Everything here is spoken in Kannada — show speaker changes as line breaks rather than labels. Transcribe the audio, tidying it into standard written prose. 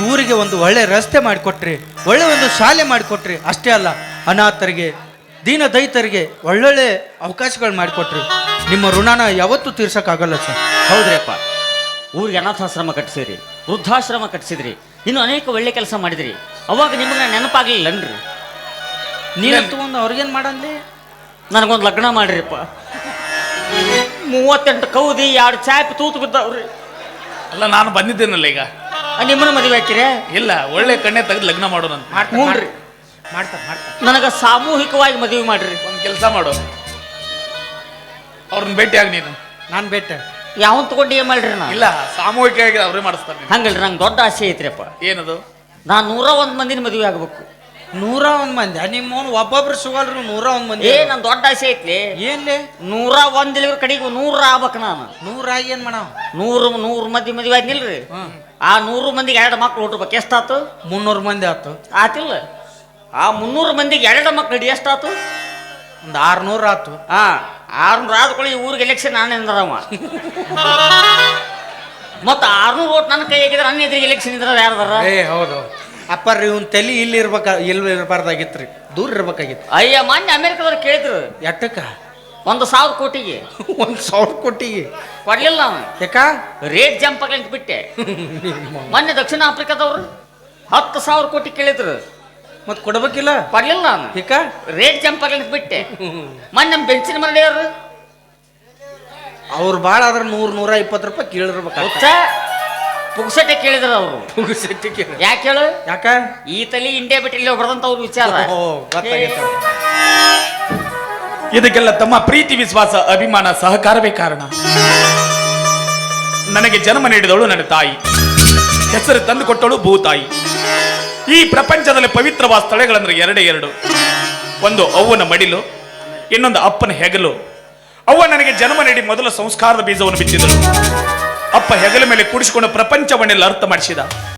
ಊರಿಗೆ ಒಂದು ಒಳ್ಳೆ ರಸ್ತೆ ಮಾಡಿಕೊಟ್ರಿ, ಒಳ್ಳೆ ಒಂದು ಶಾಲೆ ಮಾಡಿಕೊಟ್ರಿ. ಅಷ್ಟೇ ಅಲ್ಲ, ಅನಾಥರಿಗೆ, ದೀನ ದೈತರಿಗೆ ಒಳ್ಳೊಳ್ಳೆ ಅವಕಾಶಗಳು ಮಾಡಿಕೊಟ್ರಿ. ನಿಮ್ಮ ಋಣನ ಯಾವತ್ತೂ ತೀರ್ಸಕ್ಕಾಗಲ್ಲ ಸರ್.
ಹೌದ್ರಿಪ್ಪ, ಊರಿಗೆ ಅನಾಥಾಶ್ರಮ ಕಟ್ಟಿಸಿದ್ರಿ, ವೃದ್ಧಾಶ್ರಮ ಕಟ್ಟಿಸಿದ್ರಿ, ಇನ್ನು ಅನೇಕ ಒಳ್ಳೆ ಕೆಲಸ ಮಾಡಿದ್ರಿ. ಅವಾಗ ನಿಮಗೆ ನೆನಪಾಗ್ಲಿಲ್ಲನ್ರಿ?
ನೀನು ತಗೊಂಡು ಅವ್ರಿಗೇನು ಮಾಡಂದ್ಲಿ?
ನನಗೊಂದು ಲಗ್ನ ಮಾಡ್ರಿಪ್ಪ. 38 ಕೌದಿ 2 ಚಾಪಿ ತೂತು ಬಿದ್ದಾವ್ರಿ.
ಅಲ್ಲ, ನಾನು ಬಂದಿದ್ದೇನಲ್ಲ ಈಗ.
ನಿಮ್ಮನ್ನ ಮದುವೆ ಹಾಕಿರೇ?
ಇಲ್ಲ, ಒಳ್ಳೆ ಕಣ್ಣೆ ತೆಗೆದು ಲಗ್ನ ಮಾಡೋಣ.
ಮಾಡ್ರಿ, ನನಗೆ ಸಾಮೂಹಿಕವಾಗಿ ಮದುವೆ ಮಾಡ್ರಿ.
ಒಂದು ಕೆಲಸ ಮಾಡು, ಅವ್ರನ್ನ ಭೇಟಿಯಾಗಿ ನೀನು.
ನಾನು ಭೇಟೆ
ಯಾವನ್ ತಗೊಂಡು ಏನ್ ಮಾಡ್ರಿ? ನಾ
ಇಲ್ಲ, ಸಾಮೂಹಿಕವಾಗಿ ಅವರೇ ಮಾಡಿಸ್ತಾರೆ.
ಹಂಗಲ್ರಿ, ನಂಗೆ ದೊಡ್ಡ ಆಸೆ ಐತ್ರಿಪ್ಪ.
ಏನದು?
ನಾನು 101 ಮಂದಿನ ಮದುವೆ ಆಗ್ಬೇಕು.
101 ಮಂದಿ? ನಿಮ್ಮವನು ಒಬ್ಬೊಬ್ರು ಸಿಗಲ್ರು 101 ಮಂದಿ.
ನನ್ ದೊಡ್ಡ ಆಸೆ ಐತ್ಲಿ.
ಏನ್ಲಿ?
101 ಕಡೆಗೆ 100 ಆಗ್ಬೇಕು. ನಾನು
100 ಆಗಿ ಏನ್ ಮಾಡವ?
100 ಮಂದಿ ಮದುವೆ ಆದ್ನಿಲ್ರಿ. ಆ 100 ಮಂದಿಗೆ 2 ಮಕ್ಳು ಹುಟ್ಟಬೇಕು. ಎಷ್ಟಾತು?
300 ಮಂದಿ ಆತು.
ಆತಿಲ್ಲ? ಆ 300 ಮಂದಿಗೆ 2 ಮಕ್ಳು ಹಿಡಿ ಎಷ್ಟಾತು?
ಒಂದು 600 ಆತು.
600 ಆದ್ಕೊಳ್ಳಿ. ಈ ಊರಿಗೆ ಎಲೆಕ್ಷನ್ ನಾನೇ ಅಂದರವ. ಮತ್ತೆ 600 ಓಟ್ ನನ್ನ ಕೈ ಆಗಿದ್ರೆ ನನ್ನ ಎದುರಿಗೆ ಎಲೆಕ್ಷನ್ ಇದ್ರ ಯಾರದಾರ?
ಹೌದು ಅಪ್ಪರ್, ಇವನ್ ತಲೆ ಇಲ್ಲಿ ಇರಬಾರ್ದಾಗಿತ್ರಿ, ದೂರ ಇರ್ಬೇಕಾಗಿತ್ತು.
ಅಯ್ಯ, ಮೊನ್ನೆ ಅಮೆರಿಕದವ್ರು ಕೇಳಿದ್ರು.
ಎಟ್ಟಕ್ಕ?
1,000 ಕೋಟಿಗೆ.
1,000 ಕೋಟಿಗೆ
ಕೊಡ್ಲಿಲ್ಲ ನಾನು.
ಯಾಕ?
ರೇಟ್ ಜಂಪ್ ಆಗ್ಲಿಕ್ಕೆ ಬಿಟ್ಟೆ. ಮೊನ್ನೆ ದಕ್ಷಿಣ ಆಫ್ರಿಕಾದವ್ರು 10,000 ಕೋಟಿ ಕೇಳಿದ್ರು.
ಮತ್ ಕೊಡ್ಬೇಕಿಲ್ಲ?
ಕೊಡ್ಲಿಲ್ಲ ನಾನು.
ಯಾಕ?
ರೇಟ್ ಜಂಪ್ ಆಗ್ಲಿಕ್ಕೆ ಬಿಟ್ಟೆ. ಮೊನ್ನೆ ನಮ್ಮ ಬೆಂಚಿನ ಮನೆಯವರು
ಅವ್ರು ಭಾಳ ಆದ್ರೆ 100-120 ರೂಪಾಯಿ ಕೇಳಿರ್ಬೇಕು.
ಪುಗ್ಸಟ್ಟೆ ಕೇಳಿದ್ರು ಅವರು. ಯಾಕೆ ಹೇಳು?
ಯಾಕ?
ಈ ತಲೆ ಇಂಡಿಯಾ ಬಿಟ್ಟು ಇಲ್ಲಿ ಬರ್ದಂತ ಅವ್ರ ವಿಚಾರ.
ಇದಕ್ಕೆಲ್ಲ ತಮ್ಮ ಪ್ರೀತಿ, ವಿಶ್ವಾಸ, ಅಭಿಮಾನ, ಸಹಕಾರವೇ ಕಾರಣ. ನನಗೆ ಜನ್ಮ ನೀಡಿದವಳು ನನ್ನ ತಾಯಿ, ಹೆಸರು ತಂದು ಕೊಟ್ಟವಳು ಭೂತಾಯಿ. ಈ ಪ್ರಪಂಚದಲ್ಲಿ ಪವಿತ್ರವಾದ ಸ್ಥಳಗಳಂದ್ರೆ 2. ಒಂದು ಅವ್ವನ ಮಡಿಲು, ಇನ್ನೊಂದು ಅಪ್ಪನ ಹೆಗಲು. ಅವ್ವ ನನಗೆ ಜನ್ಮ ನೀಡಿ ಮೊದಲ ಸಂಸ್ಕಾರದ ಬೀಜವನ್ನು ಬಿತ್ತಿದಳು. ಅಪ್ಪ ಹೆಗಲ ಮೇಲೆ ಕೂಡಿಸಿಕೊಂಡು ಪ್ರಪಂಚವನ್ನೆಲ್ಲ ಅರ್ಥ ಮಾಡಿಸಿದ.